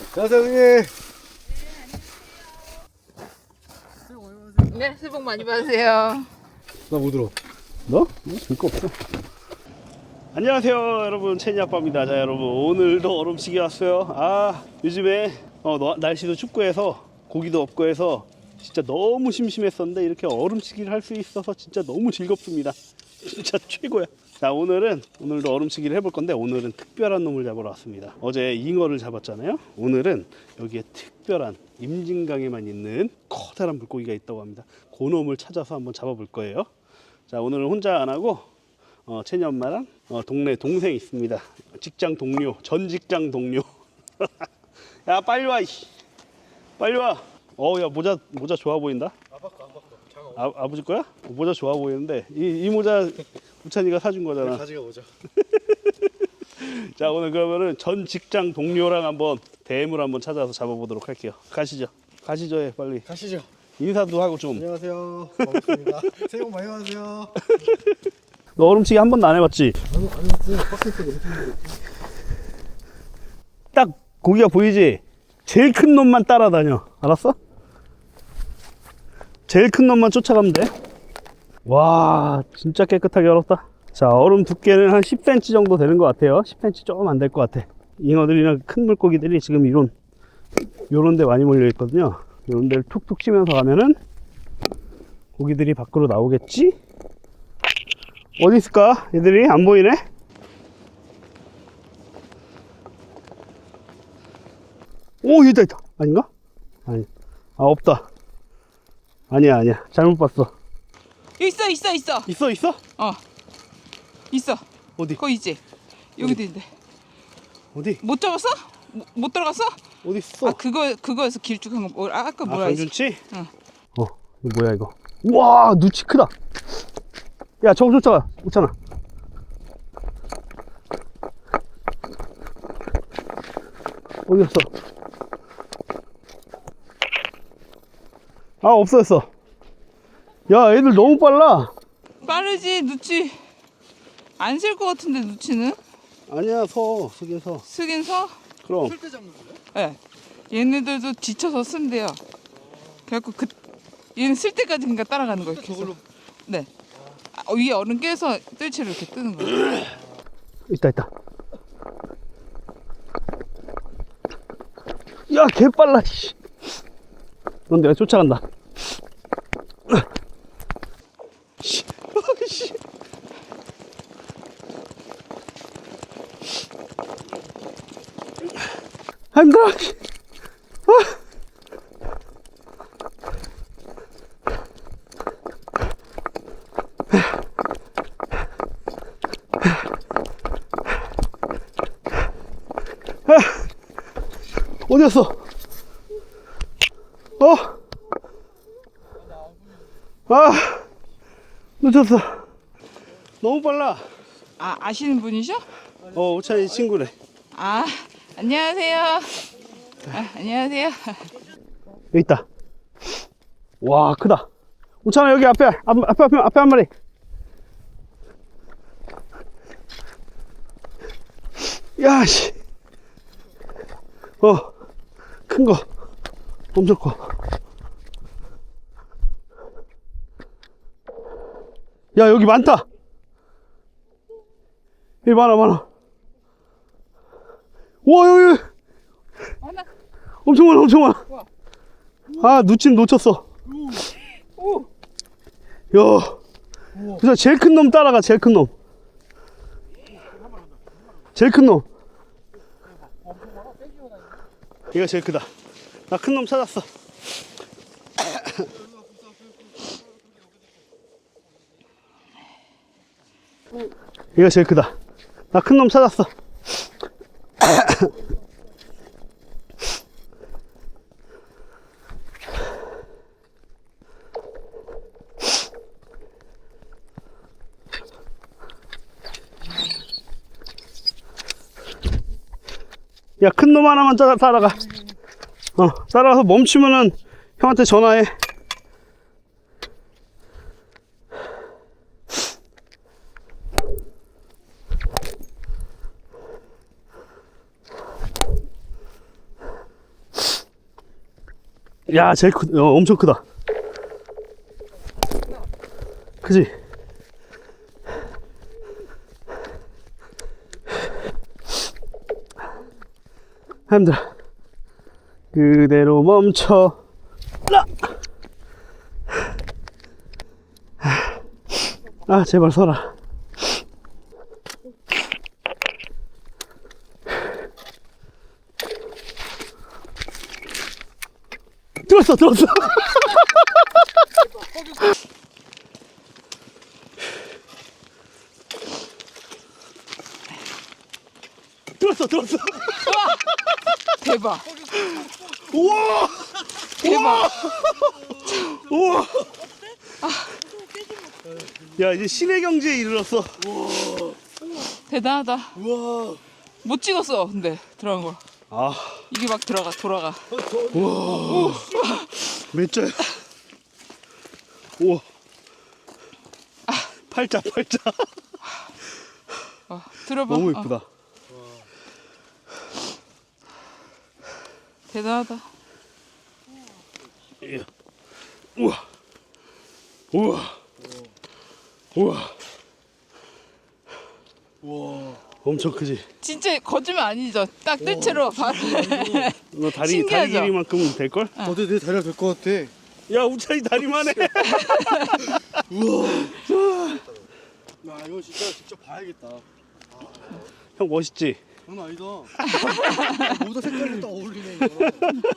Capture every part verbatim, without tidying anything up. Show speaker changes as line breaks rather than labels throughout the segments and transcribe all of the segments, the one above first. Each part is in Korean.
안녕하세요,
네, 새해 복 많이 받으세요.
나 못 들어. 너? 들거 없어. 안녕하세요, 여러분. 채니 아빠입니다. 자, 여러분, 오늘도 얼음치기 왔어요. 아, 요즘에 어, 너, 날씨도 춥고 해서 고기도 없고 해서 진짜 너무 심심했었는데 이렇게 얼음치기를 할 수 있어서 진짜 너무 즐겁습니다. 진짜 최고야. 자, 오늘은 오늘도 얼음치기를 해볼 건데 오늘은 특별한 놈을 잡으러 왔습니다. 어제 잉어를 잡았잖아요. 오늘은 여기에 특별한 임진강에만 있는 커다란 물고기가 있다고 합니다. 그 놈을 찾아서 한번 잡아볼 거예요. 자, 오늘은 혼자 안 하고 어, 채니 엄마랑 어, 동네 동생 있습니다. 직장 동료, 전 직장 동료. 야, 빨리 와. 이씨. 빨리 와. 어, 야, 모자 모자 좋아 보인다. 아, 아버지 거야? 모자 좋아 보이는데 이, 이 모자 우찬이가 사준 거잖아.
가지가 오죠.
자, 오늘 그러면은 전 직장 동료랑 한번 대물 한번 찾아서 잡아보도록 할게요. 가시죠. 가시죠, 예, 빨리.
가시죠.
인사도 하고 좀.
안녕하세요. 반갑습니다. 새해 복 많이 받으세요.
너 얼음치기 한 번도 안 해봤지?
아니, 아니, 박스 속에 엄청
딱 고기가 보이지? 제일 큰 놈만 따라다녀. 알았어? 제일 큰 놈만 쫓아가면 돼. 와, 진짜 깨끗하게 얼었다. 자, 얼음 두께는 한 십 센티미터 정도 되는 것 같아요. 십 센티미터 조금 안 될 것 같아. 잉어들이나 큰 물고기들이 지금 이런 요런 데 많이 몰려 있거든요. 요런 데를 툭툭 치면서 가면은 고기들이 밖으로 나오겠지? 어디 있을까? 얘들이 안 보이네? 오, 여기다 있다. 아닌가? 아니, 아, 없다. 아니야, 아니야. 잘못 봤어.
있어, 있어, 있어.
있어, 있어?
어, 있어.
어디?
거기 있지. 여기도 있는데.
어디?
못 잡았어? 못, 못 들어갔어?
어디 있어?
아, 그거 그거에서 길쭉한 거 뭐? 아, 아까
아,
뭐라 했지?
강준치?
응.
어, 이거 뭐야 이거? 우와, 누치 크다. 야, 저거 쫓아가. 있잖아. 어디 갔어? 아, 없어졌어. 야, 애들 너무 빨라.
빠르지, 누치. 안 쓸 것 같은데 누치는?
아니야, 서, 속에서.
쓰긴 서?
그럼.
쓸때 잡는 거예요?
예. 네. 얘네들도 지쳐서 쓴대요. 그래갖고 그 얘는 쓸 때까지 그러니까 따라가는 거예요. 계속.
저걸로
네. 아, 어, 위에 얼음 깨서 뜰채로 이렇게 뜨는 거예요.
있다, 있다. 야, 개 빨라, 씨. 넌 내가 쫓아간다. 씨. 씨. 아, 힘들어. 씨. 아. 어디 갔어? 어? 아, 놓쳤어. 너무 빨라.
아, 아시는 분이셔?
어, 우찬이 친구래.
아, 안녕하세요. 아, 안녕하세요.
여기 있다. 와, 크다. 우찬아, 여기 앞에, 앞, 앞에, 앞에, 앞에 한 마리. 야, 씨. 어, 큰 거. 엄청 커. 야, 여기 많다. 여기 많아, 많아. 우와, 여기, 여기.
하나.
엄청 많아, 엄청 많아.
우와.
아, 누친 놓쳤어.
오.
야, 그래서 제일 큰 놈 따라가, 제일 큰 놈. 제일 큰 놈. 얘가 제일 크다. 나 큰 놈 찾았어. 얘가 제일 크다. 나 큰 놈 찾았어. 야, 큰 놈 하나만 따라, 따라가. 어, 따라가서 멈추면은 형한테 전화해. 야, 제일 크, 어, 엄청 크다. 그지? 힘들어. 그대로 멈춰. 라! 아, 제발 서라. 들었어, 들었어. 들었어, 들었어.
대박.
우와!
대박.
우와! 야, 이제 신의 경지에 이르렀어.
대단하다.
우와.
못 찍었어. 근데 들어간 거.
아,
이게 막 들어가 돌아가.
우와. 몇 자야? 우와. 팔자, 팔자.
어, 들어봐.
너무
어,
예쁘다.
대단하다.
예. 우와. 우와. 우와.
우와.
엄청 크지?
진짜 거짓말 아니죠? 딱 뜰채로 바로.
너 다리, 다리
신기하죠?
길이만큼은 될걸?
어때 내 다리가 될 것 같아.
야, 우찬이 다리만 해.
우와. 야 이거 진짜 직접 봐야겠다.
형 멋있지?
장난 아니다. 모자 색깔이 딱 어울리네 이거.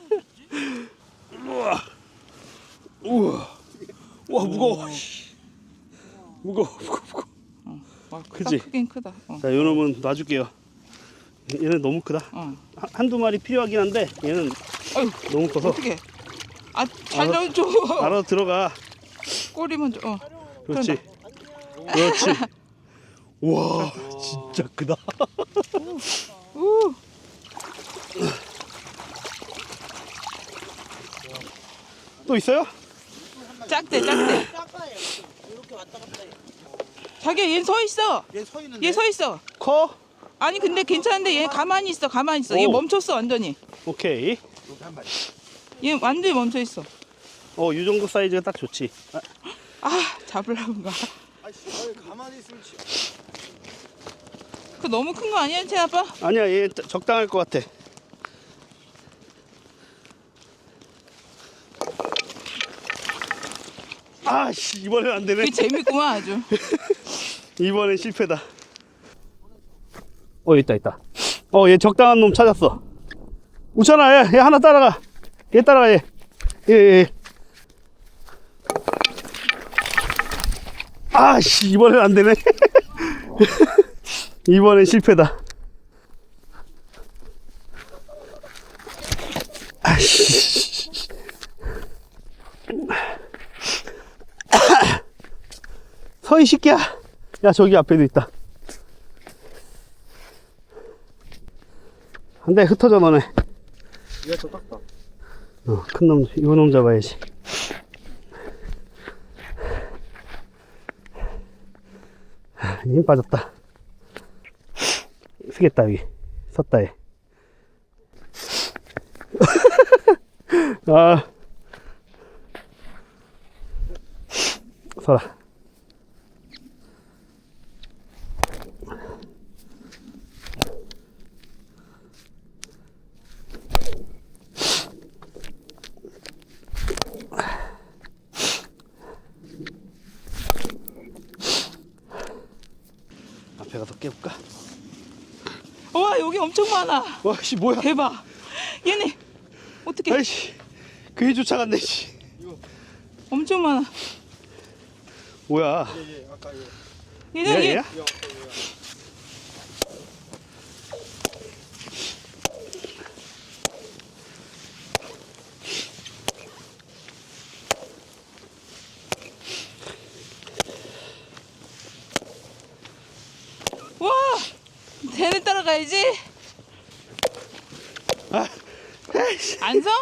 우와. 우와. 와, 무거워. 무거워, 무거워, 무거워.
와,
그지?
크다, 크긴 크다. 어.
자, 요 놈은 놔줄게요. 얘는 너무 크다.
어.
한- 한두 마리 필요하긴 한데 얘는
어휴,
너무 커서
어떻게? 아, 살려줘.
알아서 들어가.
꼬리 먼저. 어.
그렇지. 그렇지. 와, 진짜 크다.
우.
또 있어요?
작대, 작대. 자기야, 얘 서 있어.
얘 서 있는데.
얘 서 있어.
커?
아니 근데 괜찮은데 얘 가만히 있어, 가만히 있어. 얘
오.
멈췄어 완전히.
오케이.
여기 한 마리.
얘 완전히 멈춰 있어.
어, 이 정도 사이즈가 딱 좋지. 아,
아, 잡으려고가.
아이씨 아니, 가만히 있으면 치.
그 너무 큰 거 아니야, 제 아빠?
아니야, 얘 적당할 것 같아. 아씨, 이번엔 안 되네.
그게 재밌구만 아주.
이번엔 실패다. 어, 있다, 있다. 어, 얘 적당한 놈 찾았어. 우찬아, 얘, 얘 하나 따라가. 얘 따라가, 얘. 얘, 얘, 얘. 아씨, 이번엔 안 되네. 이번엔 실패다. 아씨. 서이 새끼야. 야, 저기 앞에도 있다. 한 대 흩어져 너네.
얘가 더 작다.
어, 큰 놈, 이거 놈 잡아야지. 아, 힘 빠졌다. 쓰겠다, 여기. 섰다, 얘. 아. 서라. 앞에 가서 깨볼까?
와, 여기 엄청 많아.
와, 씨, 뭐야?
대박. 얘네 어떻게?
아이씨, 그게 쫓아갔네, 씨.
엄청 많아.
뭐야?
얘, 얘 아까 얘.
얘네
얘야,
얘.
얘야?
얘 아까 얘야.
와, 쟤네 따라가야지.
아, 아이씨.
안 서?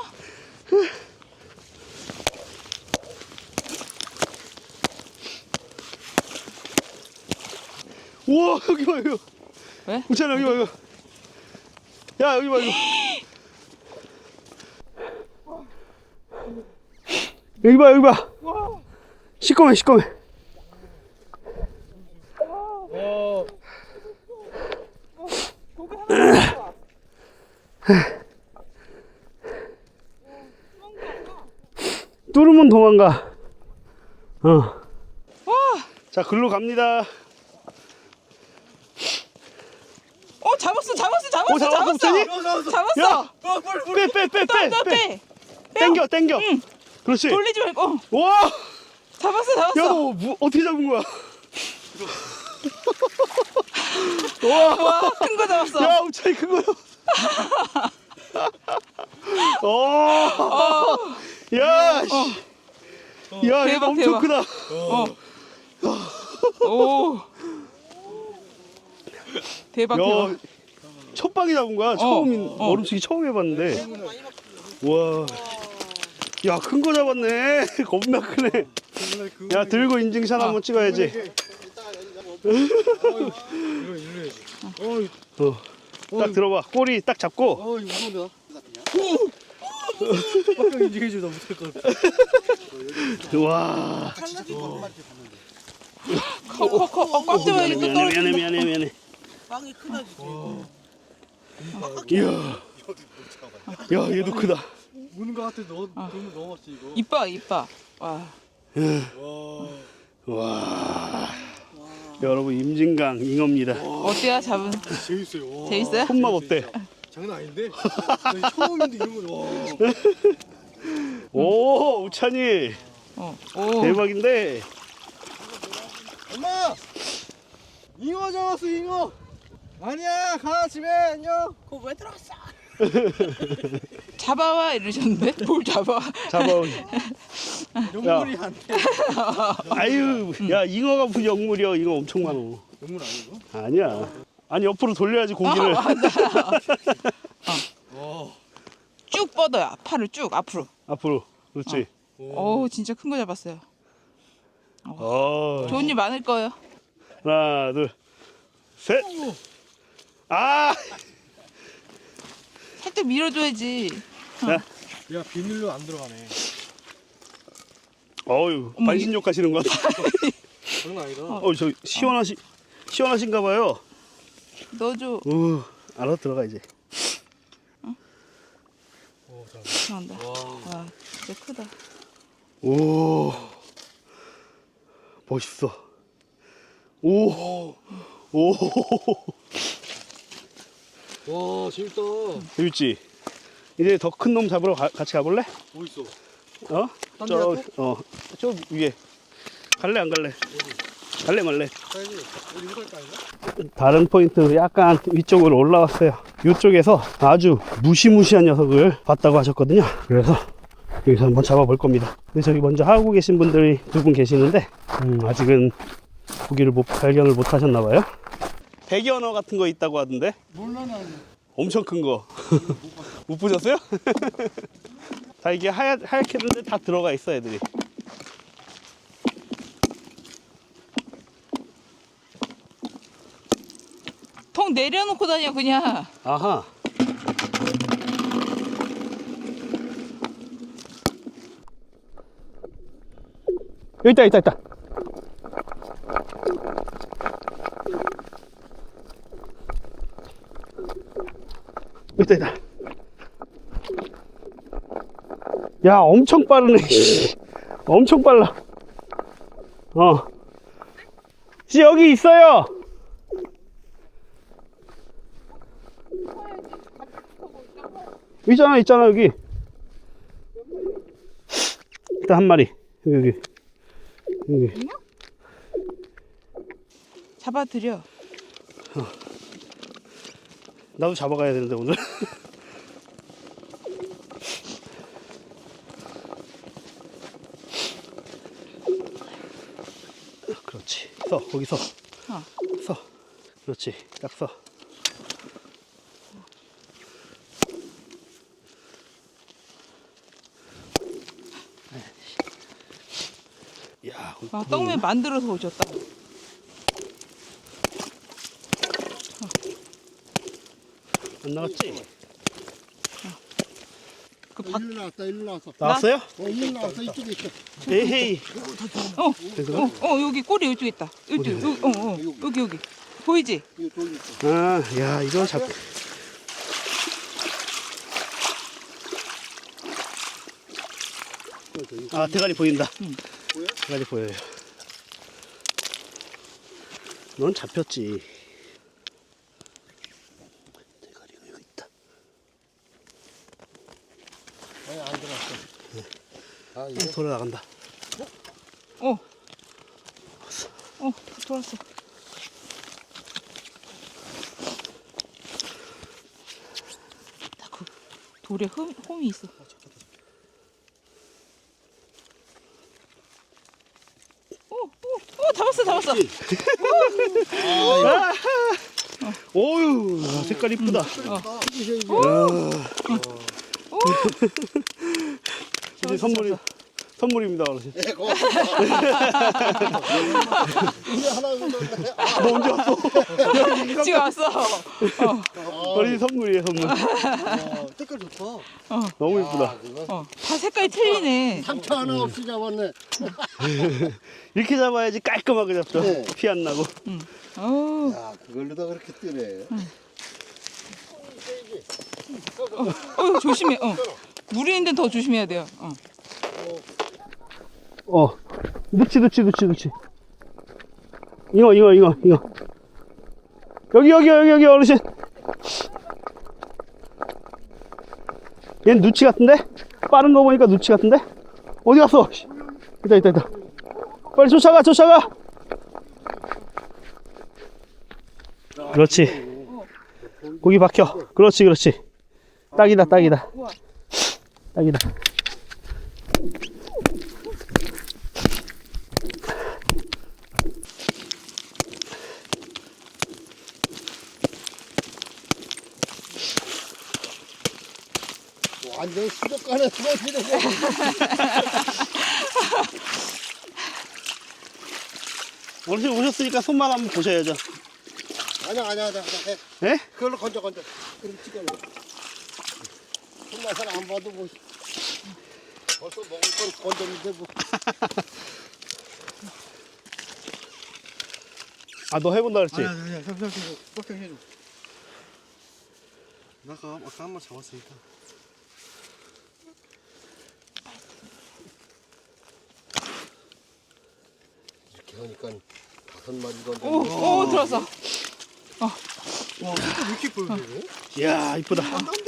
우와, 여기 봐, 이거.
왜?
우찬아, 여기 봐, 이거. 야, 여기 봐, 이거. 여기 봐, 여기 봐. 시꺼매, 시꺼매. 뚫으면 도망가. 어. 자, 글로 갑니다.
어 잡았어 잡았어 잡았어
오, 잡았어,
잡았어
잡았어.
잡았어.
야, 빼, 빼, 빼, 빼,
너
빼.
빼.
땡겨, 땡겨.
응.
그렇지.
돌리지 말고. 어,
와,
잡았어
야,
잡았어.
너 뭐, 어떻게 잡은 거야? 와,
와 큰 거 잡았어.
야, 우차이 큰 거야. 어, 야, 씨. 야,
대박,
이거 엄청
대박.
크다.
어. 오. 대박
야,
대박.
첫 방에 잡은 거야. 처음인
어.
얼음치기 처음 해봤는데. 와, 야, 큰 거 잡았네. 겁나 크네. 야, 들고 인증샷 한번 찍어야지. 어, 딱 들어봐. 꼬리 딱 잡고.
어 이거 무서운데 나. 빡빡 인증해줘 나 못할 것 같아.
와,
커커커 어, 꽉 잡아
미안해,
이게 또
미안해,
떨어진다.
미안해, 미안해, 미안해.
빵이 크다 진짜.
이야, 야, 얘도 크다.
우는 것 같아. 너 너무 넘었지 이거.
이뻐 이뻐. 와.
와, 여러분 임진강 잉어입니다.
어때요 잡은?
재밌어요. 와.
재밌어요?
손맛 어때?
장난 아닌데? 나 처음인데 이런 거. 와.
오, 우찬이
어. 오.
대박인데.
엄마! 잉어 잡았어 잉어. 아니야 가 집에 안녕.
그거 왜 들어갔어?
잡아와 이러셨는데 뭘 잡아?
잡아.
영물이 안 돼.
아유, 야, 잉어가 무슨 영물이야? 잉어 엄청 많어.
영물 아니고?
아니야. 아니, 옆으로 돌려야지 고기를.
와.
쭉 뻗어요. 팔을 쭉 앞으로.
앞으로. 그렇지.
오 진짜 큰 거 잡았어요.
어.
좋은 일 많을 거예요.
하나, 둘, 셋. 아,
살짝 밀어줘야지.
야,
야 비닐로 안 들어가네.
어유,
어머,
반신욕 하시는 것 같아.
장난 아니다.
어, 저 시원하시, 시원하신가 봐요.
넣어줘.
우, 알아 들어가 이제.
오, 잘.
잘한다. 와 진짜 크다.
오, 멋있어. 오, 오,
와 재밌다.
재밌지? 이제 더 큰 놈 잡으러 가, 같이 가볼래?
뭐 있어?
어?
딴
저,
데
어, 저 위에. 갈래 안 갈래? 갈래 말래?
가야지. 어디 이거 갈까 아닌가?
다른 포인트 약간 위쪽으로 올라왔어요. 이쪽에서 아주 무시무시한 녀석을 봤다고 하셨거든요. 그래서 여기서 한번 잡아볼 겁니다. 근데 저기 먼저 하고 계신 분들이 두 분 계시는데 음, 아직은 고기를 못, 발견을 못 하셨나봐요. 대견어 같은 거 있다고 하던데
몰라 난.
엄청 큰 거. 못 보셨어요? 다 이게 하얗, 하얗게 했는데 다 들어가 있어 애들이.
통 내려놓고 다녀 그냥.
아하. 여기 있다, 있다, 있다. 여기 있다, 있다. 야, 엄청 빠르네. 씨. 엄청 빨라. 어. 씨, 여기 있어요. 있잖아, 있잖아, 여기. 일단 한 마리. 여기, 여기. 여기.
잡아드려.
나도 잡아가야 되는데, 오늘. 그렇지. 서, 거기 서.
어.
서. 그렇지. 딱 서. 야,
와 떡면 만들어서 오셨다.
안 나갔지?
그 밖,
일로 나왔다 일로 나왔어.
나왔어요?
어 일로 나왔어 이쪽에 있어.
에헤이.
어, 어, 어, 여기 꼬리 이쪽에 있다. 여기, 여기, 어, 어, 여기, 여기. 보이지?
이거 돌 있어.
아, 야, 이거 잡. 아, 대가리 보인다.
응.
보여?
대가리 보여요. 넌 잡혔지. 대가리가 여기 있다.
아니 안 들어왔어. 아
어,
이거
돌아 나간다.
어. 어, 돌았어. 그 돌에 흠, 홈이 있어. 어, 어, 어, 잡았어, 잡았어.
오유, 아, 색깔 이쁘다.
어.
이게 이게.
오,
이제 선물이 선물입니다, 어르신.
예, 고맙습니다. 이게 하나 묻었네.
너 언제 왔어?
지금 왔어. 어,
어르신 선물이에요, 선물.
아, 색깔 좋다.
어,
너무 이쁘다.
아, 이거
어. 다 색깔이 틀리네.
상처 하나 없이 잡았네.
이렇게 잡아야지 깔끔하게 잡죠.
네.
피 안 나고.
응. 어,
야, 그걸로다 그렇게 뜨네.
어, 조심해. 어. 물이 있는데 더 조심해야 돼요. 어.
어, 넣지, 넣지, 넣지, 넣지. 잉어, 잉어, 잉어, 잉어. 여기, 여기, 여기, 여기, 어르신. 얘는 누치 같은데? 빠른 거 보니까 누치 같은데? 어디 갔어? 있다, 있다, 있다. 빨리 쫓아가, 쫓아가. 그렇지. 고기 박혀. 그렇지, 그렇지. 딱이다, 딱이다. 딱이다.
완전 수족관에 들어지는 거.
어르신 오셨으니까 손만 한번 보셔야죠.
아니야, 아니야, 아니야. 해.
예?
그걸로 건져, 건져. 그럼 찍어요. 손맛을 안 봐도 뭐. 벌써 먹을 건 건졌는데 뭐.
아, 너 해본다 그랬지?
아니야, 아니야. 잠시만, 잠시만. 뻑뻑 해줘. 나 아까, 아까 한 번 잡았으니까. 이렇게 하니까 다섯 마리 건져.
오, 오, 들었어.
와, 진짜 왜 이렇게 보여요?
이야, 이쁘다.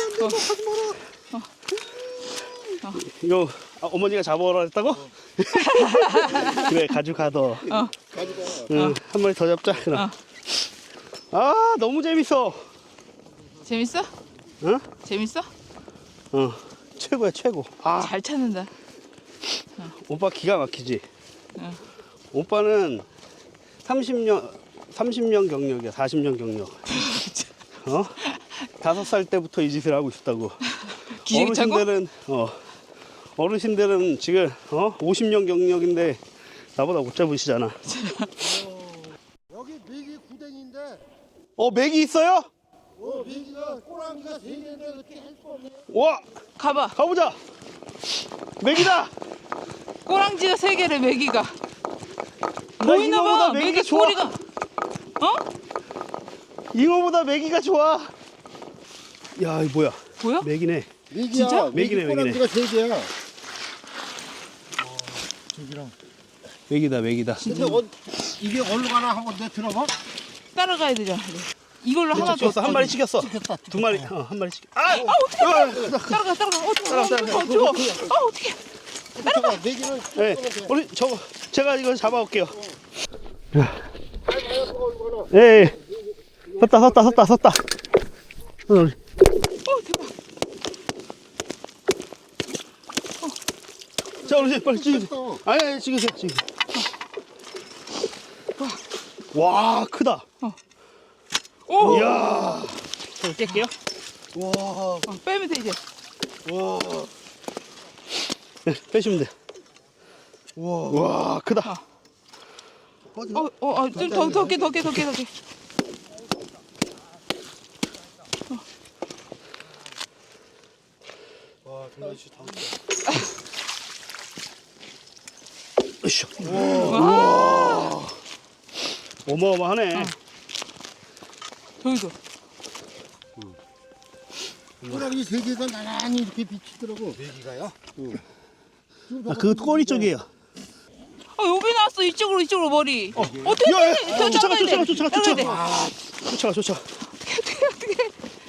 이거 아, 어머니가 잡아오라 했다고? 그래, 가져가더.
어.
가지고.
응, 한 마리 더 잡자. 그럼. 아, 너무 재밌어.
재밌어?
응?
재밌어?
어, 최고야, 최고. 아,
잘 찾는다.
오빠 기가 막히지?
응.
오빠는 삼십 년, 삼십 년 경력이야, 사십 년 경력. 어? 다섯 살 때부터 이 짓을 하고 있었다고.
기저귀 차고?
어르신들은, 어, 어르신들은 지금, 어, 오십 년 경력인데 나보다 못 잡으시잖아.
여기 메기 구댕인데,
어, 맥이 있어요?
어, 메기가 꼬랑지가 세 개인데 어떻게 할 수 없네.
와,
가봐.
가보자. 맥이다.
꼬랑지가 세 개를 메기가.
나
보이나
잉어보다
봐.
메기가
메기
좋아.
꼬리가. 어?
잉어보다 메기가 좋아. 야, 이 뭐야?
보여?
맥이네.
메기야,
진짜?
메기
메기네,
꼬랑지가 세 개야. 저기랑.
맥이다, 맥이다.
근데 어, 이게 어디로 가나 한번 내 들어봐.
따라가야 되잖아. 이걸로 하나 더.
찍혔어, 한 마리 찍혔어.
찍혔다,
두 마리, 어, 한 마리 찍. 아,
아, 어떡해. 따라가, 따라가. 어,
따라가, 따라가.
어, 추워. 아, 어떡해.
따라가. 메기는
네,
찍으면 돼.
우리 저거 제가 이거 잡아올게요.
아니, 아니, 그거 어디로 가나.
예, 예. 섰다, 섰다, 섰다, 섰다. 어, 우리.
어, 대박.
자, 우리 빨리 찍으세요.
또.
아니, 아니, 찍으세요, 찍으세요. 와, 크다.
오.
이야. 자, 깰게요.
와,
어, 빼면 돼, 이제.
와,
네, 빼시면 돼.
와.
와, 크다.
어디?
어, 어, 어, 좀 더, 더 깨, 더 깨, 더 깨, 더 깨.
와,
으쌰.
와.
어마어마하네.
저기도.
꼬라지 세 개가 나란히 이렇게 비치더라고. 네 개가요?
아, 그 꼬리 쪽이에요.
어 여기 나왔어. 이쪽으로 이쪽으로 머리. 어. 어떻게
야, 야,
해? 저
쫓아가,
잡아야 돼.
쫓아가, 쫓아가,
잡아야 돼.
쫓아가. 쫓아가, 쫓아가.
어떻게 어떻게?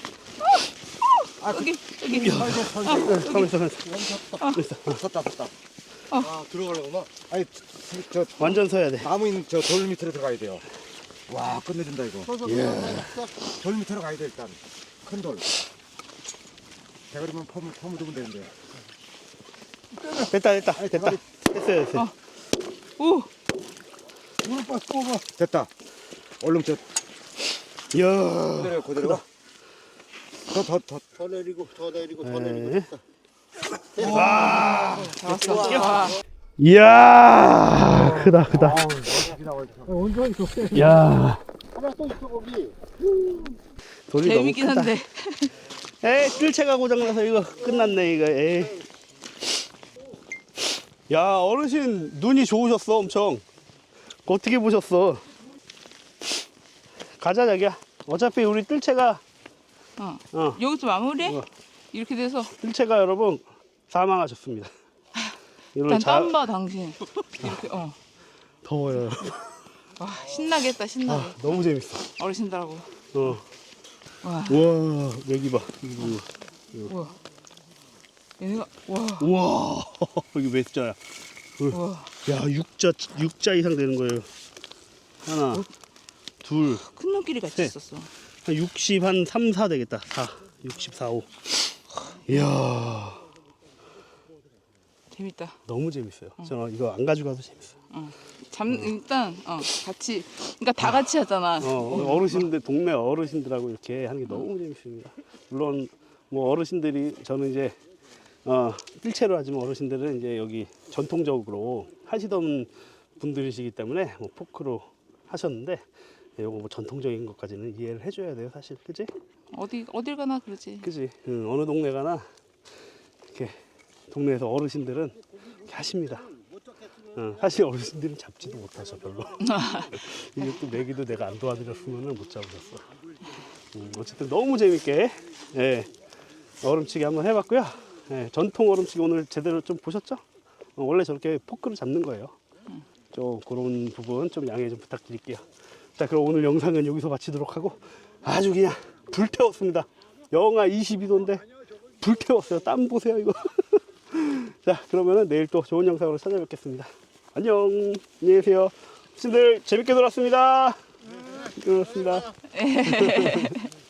어. 여기 여기.
야, 가만 있어, 가만 있어.
섰다 섰다. 아 들어가려구나. 아니 저
완전 서야 돼.
나무 있는 저 돌 밑으로 들어가야 돼요. 와 끝내준다 이거. 돌 밑으로 가야 돼 일단. 큰 돌. 대가리만 퍼무 퍼무두면 되는데.
됐다, 됐다, 됐다. 됐어요, 됐어요.
오.
무릎 빠 뽑아. 됐다. 얼른 저
이야.
그대로 그대로. 더더 더 더 내리고 더 내리고 더 내리고.
네.
잡았어. 와.
이야, 크다, 크다.
온전 있어.
야,
하나 또 있어 거기.
돌이 너무
재밌긴
크다.
한데.
에이, 뜰채가 고장나서 이거 끝났네, 이거. 에이. 야, 어르신 눈이 좋으셨어, 엄청. 어떻게 보셨어? 가자, 자기야. 어차피 우리 뜰채가,
어.
어,
여기서 마무리해?
우와.
이렇게 돼서.
뜰채가 여러분 사망하셨습니다. 이걸
일단
자,
땀봐 당신. 이렇게 어.
더워요, 여러분.
와 신나겠다 신나게.
아, 너무 재밌어.
어르신들하고.
어.
와.
우와, 여기 봐. 이거.
우와. 얘네가 와.
우와, 여기 몇 자야?
우와.
야, 육자, 육자 이상 되는 거예요. 하나, 둘,
큰 놈끼리 같이
셋.
있었어.
한 육십, 한 삼, 사 되겠다. 사, 육십, 사, 오. 이야,
재밌다.
너무 재밌어요. 저는 이거 안 가져가도 재밌어요.
어. 잠 일단 어 같이 그러니까 다 같이 하잖아.
어, 어르신들, 동네 어르신들하고 이렇게 하는 게 너무 재밌습니다. 물론, 뭐 어르신들이, 저는 이제, 어, 뜰채로 하지만 어르신들은 이제 여기 전통적으로 하시던 분들이시기 때문에 뭐 포크로 하셨는데, 요거 뭐 전통적인 것까지는 이해를 해줘야 돼요, 사실. 그지?
어디 어딜 가나 그러지.
그지? 응, 어느 동네 가나 이렇게 동네에서 어르신들은 이렇게 하십니다. 어, 사실 어르신들은 잡지도 못하셔 별로. 이게 또 내기도 내가 안 도와드렸으면 못 잡으셨어. 음, 어쨌든 너무 재밌게 예, 얼음치기 한번 해봤고요. 예, 전통 얼음치기 오늘 제대로 좀 보셨죠? 어, 원래 저렇게 포크로 잡는 거예요. 좀 그런 부분 좀 양해 좀 부탁드릴게요. 자, 그럼 오늘 영상은 여기서 마치도록 하고 아주 그냥 불태웠습니다. 영하 이십이 도인데 불태웠어요. 땀 보세요 이거. 자, 그러면은 내일 또 좋은 영상으로 찾아뵙겠습니다. 안녕. 안녕히 계세요. 친구들 재밌게 놀았습니다. 네. 놀았습니다.